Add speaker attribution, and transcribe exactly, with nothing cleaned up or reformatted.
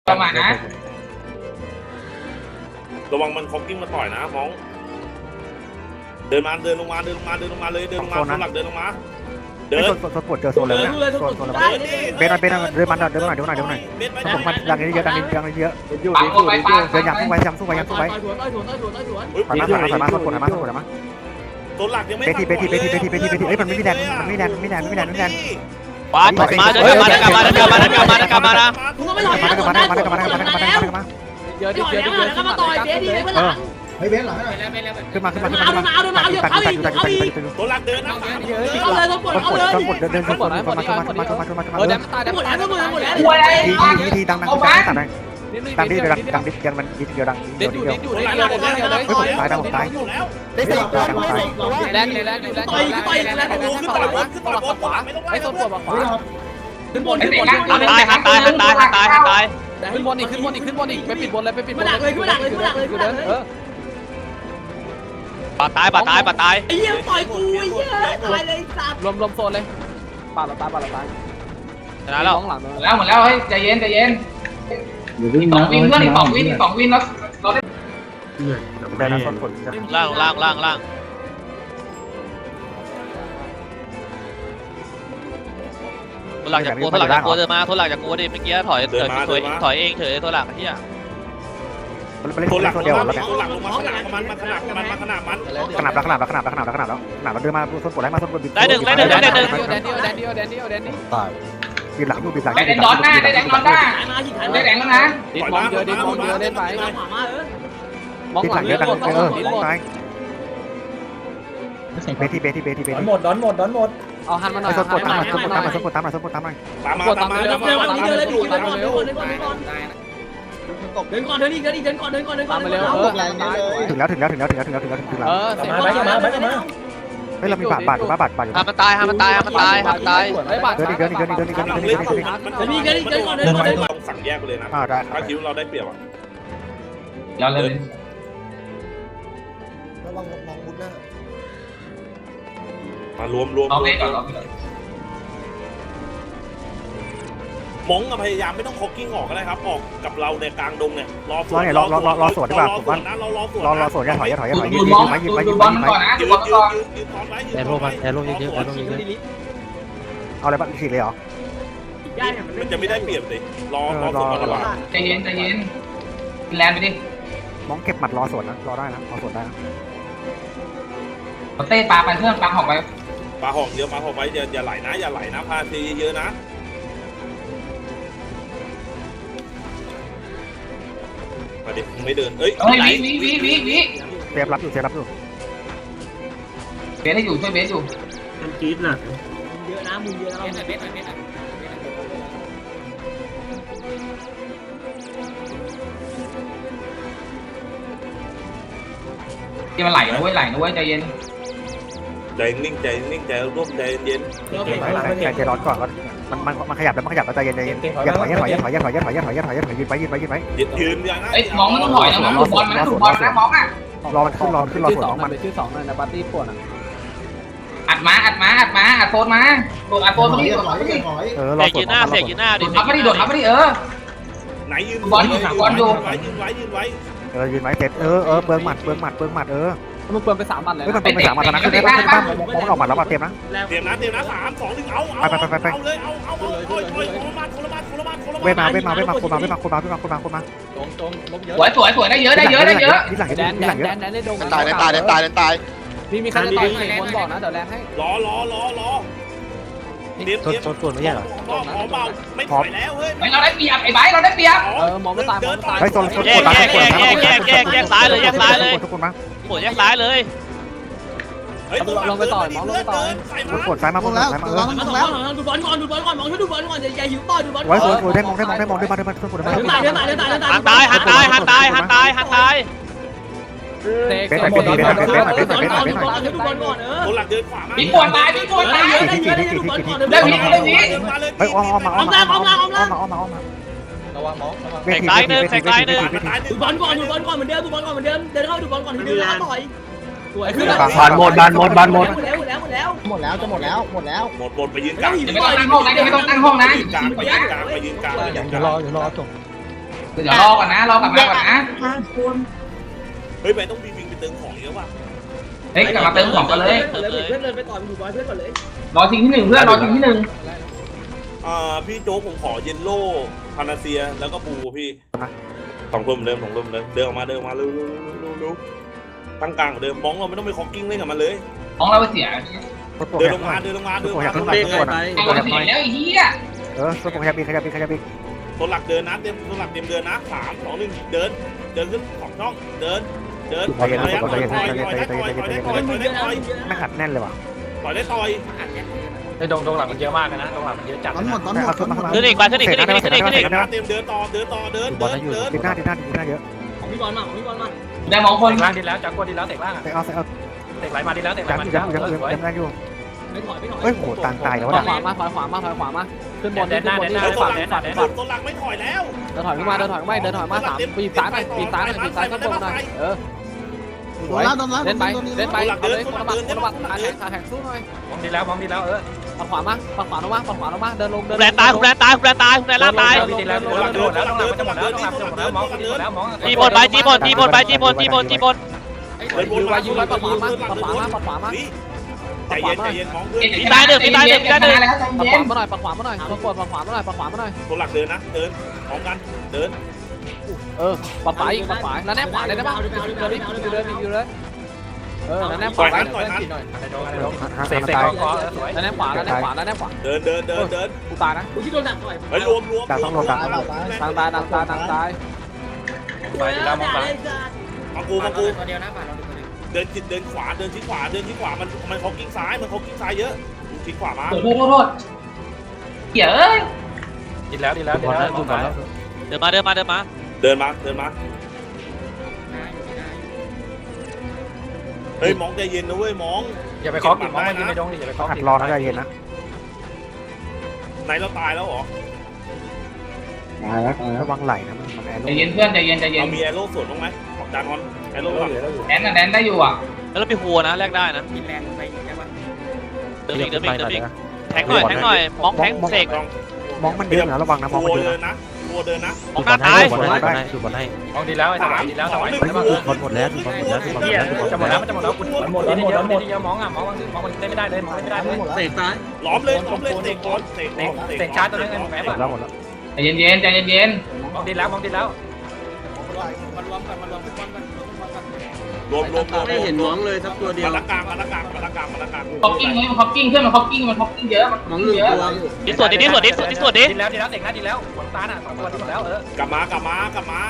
Speaker 1: ประมาณนะ
Speaker 2: ระวังมันคอกกิ้งมาต่อยนะมองเดินมาเดินลงมาเดินลงมาเดินลงมาเลยเดินลงมาคนหลักเดินลงมาเดิน
Speaker 3: โซนโซนปวดเจอโซนเลยโซนโซนเลยเบนเบนเดินมาเดินมาหน่อยเดินมาหน่อยเดินมาหน่อยผมมันดังนี้เยอะดังนี้ดังนี้เยอะเดินยับสู้ไปยับสู้ไปยับสู้ไปถอยมาถอยมาถอยมาโซนปวดถอยมาโซนปวดถอยมา
Speaker 2: ตัวหลักยังไม่
Speaker 3: เบทีเบทีเบทีเบทีเบทีเบทีเอ้ยมันไม่มีแดนมันไม่แดนไม่แดนไม่แดนไม่แดน
Speaker 4: ปาดมาเดินกลับมาเดินกลับมาเดินกลับมาเดินกลับมาเดินกลับมานะ
Speaker 3: มาเดินมาเดินมาเดินมาเดินมาเดินมาเดินมาเดินมาเดินมา
Speaker 5: เดี๋ยวเดี๋ยวเดี๋ยวเดี๋ยวมาต่อยเบสดีเพื่อนหลัง
Speaker 6: เฮ้ยเบนหลังให้หน่อย
Speaker 3: ขึ้นมาขึ้นมาขึ้นมาขึ้นมาตัดอยู่ตัดอยู่ตัดอยู่ตัดอยู่ตัดอยู่
Speaker 2: ตัวหลักเดินนะ
Speaker 5: เอาเลยต้องปวด
Speaker 3: ต้น
Speaker 5: เอา
Speaker 3: ปวด
Speaker 5: เลย
Speaker 3: ต้นปวดเดินเดินขึ้นมาขึ้นมาขึ้นมาขึ้นมาขึ้นมาขึ้นมาขึ้นมา
Speaker 5: เออเดี๋ยวตายเดี๋ยวหมดแล้วหมดแล้วหมดแล้ว
Speaker 3: ทีทีทีดังดังดังตัดได้ดังดิเดี๋ยวดังดังดิยังมันดิเดียวดัง
Speaker 5: เด็ด
Speaker 3: เดี
Speaker 5: อ
Speaker 3: ยว
Speaker 5: ยู่
Speaker 3: เดียว
Speaker 5: เด็ดอยู่เด็ดอยู่เด็ดอยู่เลย
Speaker 3: เฮ้ยผมตายดังผมตาย
Speaker 2: แล้ว
Speaker 6: ได้สี่ตัวได้สี่ตัว
Speaker 5: แลนด์แลนด์แลนด์
Speaker 2: ต่อยต่อยแล้วขึ้นต่อยบนขึ้นต่อยบนขวาไม่ต้องไล่
Speaker 5: ไอ้ต้นปวดขวาขึ้นบนขึ้นบน
Speaker 4: หันตายหันตายหันตายหันตายหันตาย
Speaker 5: ขึ้นบนอีกขึ้นบนอีกขึ้นบนอีกไปปิดบนเลยไปปิดบ
Speaker 1: มาน ดักเลยมาดักเลยมาดักเลยมาดักเลย
Speaker 5: เออ
Speaker 4: ปาดตายปาดตายปาดตาย
Speaker 1: ไอ้เหี้ยต่อยกูไอ้เหี้ยตายเลยสัตว์
Speaker 5: รวมรวมโซนเลยปาดเราตายปาดเราตาย
Speaker 4: ชนะแล้ว
Speaker 5: หลัง
Speaker 1: แล้วหมดแล้วเฮ้ยใจเย็นใจเย็นสองวินเพื่อนอีกสองวินสองวินแล้วเราได้
Speaker 3: ได้นะต้นปวด
Speaker 4: ล่างล่างล่างล่างตัวหลักจากกูตัวหลักจากกูเดินมาตัวหลักจากกูดิเมื่อกี้ถอยถอยถอยถอยเองเฉยตัวหลักที่อ่ะ
Speaker 3: มันเล่น
Speaker 2: ตัวหลัก
Speaker 3: ตัวเดียวแล้วเนี่ย
Speaker 2: ตัวหลักลงมาขนาดมันมาขนาดมันมาขนาดมัน
Speaker 3: ขนาดแล้วขนาดแล้วขนาดแล้วขนาดแล้วขนาดแล้วขนาดแล้วเดินมาต้นปวดไล่มาต้นปวด
Speaker 4: ได้หนึ่งได้หนึ่งได้หนึ่ง
Speaker 5: แดนเดียวแดนเดียวแดนเดียวแดนเดียว
Speaker 6: ตาย
Speaker 3: บีบหลังดูบีบหลัง
Speaker 1: ได้แดงดอนหน้าได้แดงดอนหน้าได้แดงแล้วนะ
Speaker 5: ดิมองเยอะดิมองเยอะเล่นไป
Speaker 1: ขวามาเออ
Speaker 5: มอง
Speaker 3: บีบ
Speaker 5: ห
Speaker 3: ห
Speaker 5: ลั
Speaker 3: ลั
Speaker 5: ง
Speaker 3: ง
Speaker 5: เย
Speaker 3: เย
Speaker 5: อะ
Speaker 3: อะ
Speaker 5: ดั
Speaker 3: ดั
Speaker 5: ง
Speaker 3: งเออ
Speaker 5: ดิม
Speaker 3: ตายเบทีเบทีเบทีเบ
Speaker 6: ดอ
Speaker 3: ที
Speaker 6: นหมดดอนหมดดอนหมด
Speaker 5: เอาหันมาหน่อ
Speaker 3: ไอ้
Speaker 5: ย
Speaker 3: ต้นปวดตามมาต้นปวดตามมาต้นปวดตามมาต้นปวดตามมา
Speaker 2: ตามมา
Speaker 5: ปวด
Speaker 2: ตา
Speaker 5: ตาม ม
Speaker 2: มา
Speaker 5: เร็ว
Speaker 2: ตาม
Speaker 5: เร็ว
Speaker 2: มา
Speaker 5: เร็วเร็วเร็วเร็ว
Speaker 1: เดินก่อนเดินก่อนเดินก่อนเดินก่อนเดินก่อนเดินก่อนเดินก่อนเดินก่อนเดินก่อน
Speaker 5: ตามไปเร็วเออตาย
Speaker 3: ถึงแล้วถึงแล้วถึงแล้วถึงแล้วถึงแล้วถึงแล้วถึงแล้ว
Speaker 5: เออเสร็จ
Speaker 6: มาไปมาไปมา
Speaker 3: เฮ้ยเรามีบาดบาดอยู่บาดบาดบาดอยู่
Speaker 4: หันมันตายหันมันตายหันมันตายหันตาย
Speaker 5: ไอ้บาด
Speaker 3: เดินอีกเดินอีกเดินอีกเดินอีกเดินอีกเดินอีกเดินอีกเดินอีก
Speaker 2: มันต้องสั่งแยกไปเลยนะ
Speaker 3: อ่าได้
Speaker 2: ถ้าคิดว่าเราได้เปรียบอ่ะ
Speaker 1: ย้อนเลย
Speaker 6: ระวังมองมุดหน้าม
Speaker 2: ารวมรวม
Speaker 1: เอาไปก่อน
Speaker 2: มองพยายามไม่ต้องคอกกิ้งออกก็ได้ครับออกกับเราในกลางดงเนี่ยรอ
Speaker 3: รอเนี่ยรอรอรอสวนดีกว่าผมว่า
Speaker 2: เรารอสวน
Speaker 3: รอรอสวนอย่าถอยอย่าถอยอย่าถอยยื
Speaker 1: ดู
Speaker 3: น
Speaker 1: มอง
Speaker 3: ยืนไว้ยืน
Speaker 1: ดู
Speaker 3: ไว้ยืน
Speaker 1: บ
Speaker 3: ไว้
Speaker 1: อล
Speaker 3: ยืน
Speaker 1: ก่อน
Speaker 3: ไว้
Speaker 1: นะดูบอลก่อน
Speaker 2: ยืนตอนไว้
Speaker 7: แอโร่ไปแอโร่เยอะๆแอโร่เยอะ
Speaker 3: เอาอะไรบ้างฉีดเลยเหรอ
Speaker 2: มันจะไม่ได้เปรียบเลยรอรอสวนระบาด
Speaker 1: ใจเย็นใจเย็นแลนไปดิ
Speaker 3: มองเก็บหมัดรอสวนนะรอได้นะรอสวนได้นะ
Speaker 1: เต้ปลาไปเพื่อนปลาหอกไป
Speaker 2: ปลาหอกเยอะปลาหอกไว้อย่าอย่าไหลนะอย่าไหลนะพาทีเยอะนะมาดิไม่เดินเอ้ย
Speaker 1: เฮ้ยวิวิวิวิวิ
Speaker 3: เซฟรับอยู่เซฟรับอยู่
Speaker 1: เบสได้อยู่ช่วยเบสอยู่
Speaker 7: มันจี๊ดน่ะ
Speaker 1: เยอะนะมึงเยอะนะเบสเบสที่มันไหลนะเว้ยไหลนะเว้ยใจเย็น
Speaker 2: ใจนิ่งใจนิ่งใจร่วมใจเย็น
Speaker 3: ใจใจร้อนก่อนมันมันมันขยับแล้วมันขยับแล้วใจเย็นใจเย็นอย่าถอยอย่าถอยอย่าถอยอย่าถอยอย่าถอยอย่าถอยอย่าถอยอย่าถอยยืนไปยืนไปยืนไป
Speaker 2: ยืนยืนอย่างนั้น
Speaker 1: เอ้ยมองไม่ต้องถอยนะมองดูบอลนะดูบอลนะมองอ่ะ
Speaker 3: รอมันขึ้นรอขึ้นรอ
Speaker 5: ชื่อ
Speaker 3: สวน
Speaker 5: สอง
Speaker 3: ของมัน
Speaker 5: เป็นชื่อสองเลยนะปาร์ตี้ปวดอ่ะ
Speaker 1: อัดมาอัดมาอัดมาอัดโซนมาโดดอัดโซน
Speaker 6: ถ
Speaker 1: ตร
Speaker 6: อง ย
Speaker 1: นี้
Speaker 6: ถ
Speaker 1: โดด
Speaker 6: อย
Speaker 1: มาดิ
Speaker 6: ถอย
Speaker 3: เออร
Speaker 4: เส
Speaker 3: อก สว
Speaker 4: ยื
Speaker 3: น
Speaker 4: นหน้าเสกยืนหน้าดิ
Speaker 1: โดดมาดิโดดมาดิเออ
Speaker 2: ไหนยืน
Speaker 1: บอลอยู่บอลอยู่
Speaker 2: ไว้ยืนไว้ยืนไว้
Speaker 3: เออยืนไว้เสร็จเออเออเบิร์หมัดเบิร์หมัดเบิร์หมัดเออ
Speaker 5: มึงเปิดไปสามบัตรเลย
Speaker 3: เฮ้ยมันเป็นไปสามวันแล้วนะคือได้ป่ะคือได้ป่ะมองมันออกหมัดแล้วมาเต็มนะ
Speaker 2: เตรียมนะเตรียมนะสามสองหนึ่งเอาเอาเอาเลยเอาเอาเอาโอ้ยโอ้ยโคลมาโคลมาโคลมาโคลมา
Speaker 3: เวมาเวมาเวมาคนมาเวมาคนมาเวมาคนมาคนมา
Speaker 5: ตรงตรงลบเยอะ
Speaker 1: สวยสวยสวยได้เยอะได้เยอะได้เยอะ
Speaker 3: นิดหลัง
Speaker 5: แดน
Speaker 3: นิด
Speaker 5: แด
Speaker 3: หลั
Speaker 5: น
Speaker 3: งเย
Speaker 5: แด
Speaker 3: อะ
Speaker 5: นแดนได้ดง
Speaker 7: ตายเดินตายเดินตายเดินตาย
Speaker 5: มีมีใครจะต่อยอีกคนบอกนะเดี๋ยวแลนให้
Speaker 2: รอรอรอรอเตรียม
Speaker 7: โซนโซนปวดไม่ใช่เหรอ
Speaker 2: พอพอเบาไม่ถอยแล้วเฮ้ย
Speaker 1: ไม่เราได้เปรียบไอ้ไบเราได้เปรียบ
Speaker 5: เออมองไม่ตายมองไม่ตาย
Speaker 3: เฮ้ยโซนโซน
Speaker 4: แยกแยกแยกแยกแยกแยกแยกซ้ายเลยแยกซ้ายเลย
Speaker 3: ทุกคนมา
Speaker 4: โอ้แยกซ้ายเลย
Speaker 3: กดซ้ายมา
Speaker 6: ล
Speaker 3: ก
Speaker 6: ง
Speaker 3: ด
Speaker 6: แล้ว
Speaker 3: ซ้ายมา
Speaker 6: ล
Speaker 3: เอง อ
Speaker 6: แล้ว
Speaker 1: ดูบอลก่อนดูบอลก่อนมองช่วยดูบอลก่อนอย่าอย่าหิวต่อยดูบอล
Speaker 3: ไว้สวยสวยได้มองได้มองได้มองได้มาได้มาทุกคนได้
Speaker 1: เดิน
Speaker 3: มา
Speaker 1: ตายเดินตายเดินตายเดินตาย
Speaker 4: หันตายหันตายหันตายหันตายหันตาย
Speaker 5: เตะ
Speaker 3: เป็นหน่อยเป็นหน่อยเป็นหน่อยเป็นหน่อยเป็นหน่อยเป็นหน่อย
Speaker 1: ดูบอลก่อนเออ
Speaker 2: ตัวหลักเดินขวามา
Speaker 1: มีปวดตายมีปวดตายเยอะได้เยอะได้ดูบอลก่อนได้วิได้วิ
Speaker 3: เฮ้ยอ้อมอ้อมมาอ้อมมาอ้อมมาอ้อมมาอ้อมมาอ้อมมา
Speaker 6: ระวังมองระวัง
Speaker 3: เวทีเวทีเวทีเวทีเวทีเวที
Speaker 1: ดูบอลก่อนดูบอลก่อนเหมือนเดิมดูบอลก่อนเหมือนเดิมเดินเข้าดูบอลก่อนทีเดียวแล้วต่อยสวยขึ้นแล้ว
Speaker 7: บานหมดบานหมดบานหมด
Speaker 1: หมดแล้วหมดแล้วหมดแล้ว
Speaker 6: หมดแล้วจะหมดแล้วหมดแล้ว
Speaker 2: หมดหมดไปยืนกลาง
Speaker 1: ไม่ต้องตั้งห้องนะไม่ต้องตั้งห้องนะ
Speaker 2: ยืนกลางไปยืนกลางไปยืนกลางไปยืนก
Speaker 7: เดี๋ยว
Speaker 2: ลาง
Speaker 7: รอเดี๋ยวรอจบ
Speaker 2: ร
Speaker 1: เดี๋ยวรอก่อนนะรอกลับมาก่อนนะ
Speaker 2: เฮ้ยไปต้องบีวิงไปเติมของเยอะว่ะ
Speaker 1: เฮ้ยกลับมาเติมของกันเลย
Speaker 5: เพื่อนเลยไปต่อไปถูกบอยเพื่อนก่อนเลย
Speaker 1: รอทีที่หนึ่งเพื่อนรอทีที่หนึ่ง
Speaker 2: อ่าพี่โจ๊กผมขอเยลโล่พานาเซียแล้วก็บูพี่สองคนเหมือนเดิมสองคนเหมือนเดิมเดินออกมาเดินออกมาเร็วเร็วเร็วเร็วตั้งกลางเหมือนเดิมมองเราไม่ต้องไปคอกกิ้งเล่นกับมันเลย
Speaker 1: ของเราไปเสีย
Speaker 2: เดินลงมาเดินลงมาเดินลงมา
Speaker 3: ตัวอยาก
Speaker 2: ตัวห
Speaker 3: ขึ้
Speaker 2: ลั
Speaker 3: น
Speaker 2: ก
Speaker 3: ไป
Speaker 2: เดิน
Speaker 3: ตัวอยาก
Speaker 1: ไอ้
Speaker 3: น้อย
Speaker 1: แล้วไอ้เหี้ย
Speaker 3: เออตัวขยับอีกขยับอีกขยับอีก
Speaker 2: ตัวหลักเดินนะเต็มตัวหลักเต็มเดินนะสามสองหนึ่งเดินเดินขึ้นสองช่องเดินเดินต่อยได้ต่อยต่อยต่อยต่อยได้ต่อยต่อยได้ต่อยต่อยได้ต่อย
Speaker 3: ไม่ขัดแน่นเลยว่ะ
Speaker 2: ต่อยได้ต่อย
Speaker 5: ไอ้ดงดงหลังมันเยอะมากนะดงหลังมันเยอะจัด
Speaker 6: ตอนหมดตอนหมด
Speaker 3: เอาขึ้นมาขึ้นมา
Speaker 4: ขึ้นอีกมาขึ้นอีกขึ้นอีกขึ้นอีกขึ้นอีก
Speaker 2: เดินหน้าเต็มเดินต่อเดินต่อเดินเดินเดิน
Speaker 3: ดิหน้าดิหน้าดิหน้าเยอะ
Speaker 5: ของพี่บอลมาของพี่บอลมา
Speaker 1: ได้มองคน
Speaker 5: เตะล่างดีแล้วจักรกวนดีแล้วเตะล่าง
Speaker 3: ไปเอาไปเอา
Speaker 5: เตะไหลมาดีแล้วเตะไหล
Speaker 3: ยัง
Speaker 5: มา
Speaker 3: ยังยังยังยังได้อยู่
Speaker 5: ไม่ถอยไม่ถอย
Speaker 3: เฮ้ยโหต่างตายแล้ว
Speaker 5: ถอย
Speaker 3: นะ
Speaker 5: ขวามาถอยขวามาถอยขวามาขึ้นบนขึ้นบนที่
Speaker 2: เดิ
Speaker 5: เดิ
Speaker 2: น
Speaker 5: น
Speaker 2: ตัว
Speaker 5: ฝั่ง
Speaker 2: หลั
Speaker 5: เดิ
Speaker 2: ก
Speaker 5: นฝั่งเดินฝั่ง
Speaker 2: ตัวหลักไม่ถอยแล้ว
Speaker 5: เดินถอยขึ้นมาเดินถอยขึ้นมาเดินถอยมาสามปีซ้ายหน่อยปีซ้ายหน่อยปีซ้ายข้างบนหน่อยเออ
Speaker 6: โดนแล้วโดนแล้ว
Speaker 5: เล่นไป
Speaker 6: โดน
Speaker 5: เล่นไปเอาเลยคนละบัตรคนละบัตรขาแข็งขาแข็งสู้หน่อยมองดีแล้วมองดีแล้วเออปัดขวามาปัดขวาลงมาปัดขวาลงมาเดินลงเดิน
Speaker 4: แรนตายแรนตายแรนตายแรนล่าตาย
Speaker 5: ดีแล้วโดนแล้วโดนแล้วต้องหลังมันจะหมดแล้วต้องหลังมันจะหมดแล้วมองดีหมดแล้วมอง
Speaker 4: จีบนไปจีบนจีบนไปจีบนจีบนจีบน
Speaker 5: ยืนไว้ยืนไว้ปัดขวามาปัดขวามาปัดขวามา
Speaker 2: ใจเย็นใจเย็นมองเพื่อน
Speaker 4: มีตายหนึ่งมีตายหนึ่งมีตายหนึ่ง
Speaker 1: แล้วใจ
Speaker 5: ปัด
Speaker 1: เย็
Speaker 5: ขวาน มาหน่อยปัดขวามาหน่อยปัดขวาปัดขวามาหน่อยปัดขวามาหน่อย
Speaker 2: ตัวหลักเดินนะเดินพร้อมกันเดิน
Speaker 5: เออปัดขวาอีกปัดขวาแล้วแนบขวาเลยได้ป่ะอยู่เลยอยู่เลยอยู่เลยเออแล้วแนบขวาไว้หน่อยเสกเสกคอสวยแล้วแนบขวาแล้วแนบขวาแล้วแนบขวา
Speaker 2: เดินเดินเดินเดิน
Speaker 5: กูตายนะกูที่โดนหนักหน่อย
Speaker 2: ไปรวมรวม
Speaker 3: ต่างต้องรวมต่าง
Speaker 6: ตายตาย
Speaker 5: ทางตายทางตายทางตายไปแล้วมองไป
Speaker 2: มากูมากูเดินจิตเดินขวาเดินที่ขวาเดินที่ขวามันมันเขากิ้งซ้ายมันเขากิ้งซ้ายเยอะทิ้งขวามา
Speaker 1: โทษโทษโทษเหี้ยเอ้ย
Speaker 5: ดีแล้วดีแล้วดีแล้ว
Speaker 4: เดินมาเดินมาเดินมา
Speaker 2: เดินมาเดินมาเฮ้ยมองใจเย็นนะเว้ยมอง
Speaker 5: อย่าไปคล้องกินมองมันกินไม่ดงดิอย่าไปคล้อง
Speaker 3: ขัด
Speaker 5: กิน
Speaker 3: รอนะใจเย็นนะ
Speaker 2: ไหนเราตายแล้วเหรอ
Speaker 7: ตายแล้วตายแล้ว
Speaker 3: ระวังไหลนะมันมันแอร์
Speaker 1: ใจเย็นเพื่อนใจเย็นใจเย็น
Speaker 2: เรามีแอโร่ส่วนบ้างไหมของจานฮอนแอโร่ก่อน
Speaker 1: แดนน่ะแดนได้อยู่อ่ะ
Speaker 4: แล้วเราไปหัวนะแลกได้นะ
Speaker 5: กินแรงไปใช่ปะ
Speaker 4: เดินอีกเดินอีกเดินอีกแทงหน่อยแทงหน่อยมองแทงเสก
Speaker 3: มองมันเยอะนะระวังนะมองมัน
Speaker 2: ตัว
Speaker 3: เยอะ
Speaker 2: เดิน
Speaker 3: นะ
Speaker 2: นะตัวเดินนะ
Speaker 4: มองหน้าตาย
Speaker 3: บอลให้ได้ดูบอลให้
Speaker 5: มองดีแล้วไอ้สวายดีแล้วสวาย
Speaker 3: บอลหมดแล้วดูบอลหมดแล้วดูบอลหมด
Speaker 5: เฮีย
Speaker 3: แล้วดูบอล
Speaker 5: จะหมดแล้วมันจะหมดแล้วคุณหมดแล้วหมดแล้วหมดเยอะมองอ่ะมองมองมันเล่นไม่ได้เลยมองเล่นไม่ได้เลย
Speaker 6: เตะตาย
Speaker 2: ล้อมเลยล้อมเลยเตะก่อนเตะ
Speaker 5: เตะเตะชาร์จตัวนึงไอ้หมอแม่
Speaker 3: หมดแล้วหมดแล้ว
Speaker 1: ใจเย็นเย็นใจเย็นเย็น
Speaker 5: มองดีแล้วมองดีแล้ว
Speaker 2: รวมรวมรวม
Speaker 7: ไม่เห็นน้องเลยสักตัวเดียว
Speaker 2: มาละกลางมาละกลางมาละกลางมาละกลาง
Speaker 1: คอกกิ้งมันคอกกิ้งเพื่อนมันคอกกิ้งมันคอกกิ้งเยอะมัน
Speaker 7: น้องลืม
Speaker 1: เยอะ
Speaker 7: ตัว
Speaker 4: ดิสวดดิดิสวดดิสวดดิสวดดิ
Speaker 5: ดีแล้วดีแล้วเตะหน้าดีแล้วขนตาน่ะสองตัวดีหมดแล้วเออก
Speaker 2: ลับมากลับมากลับมา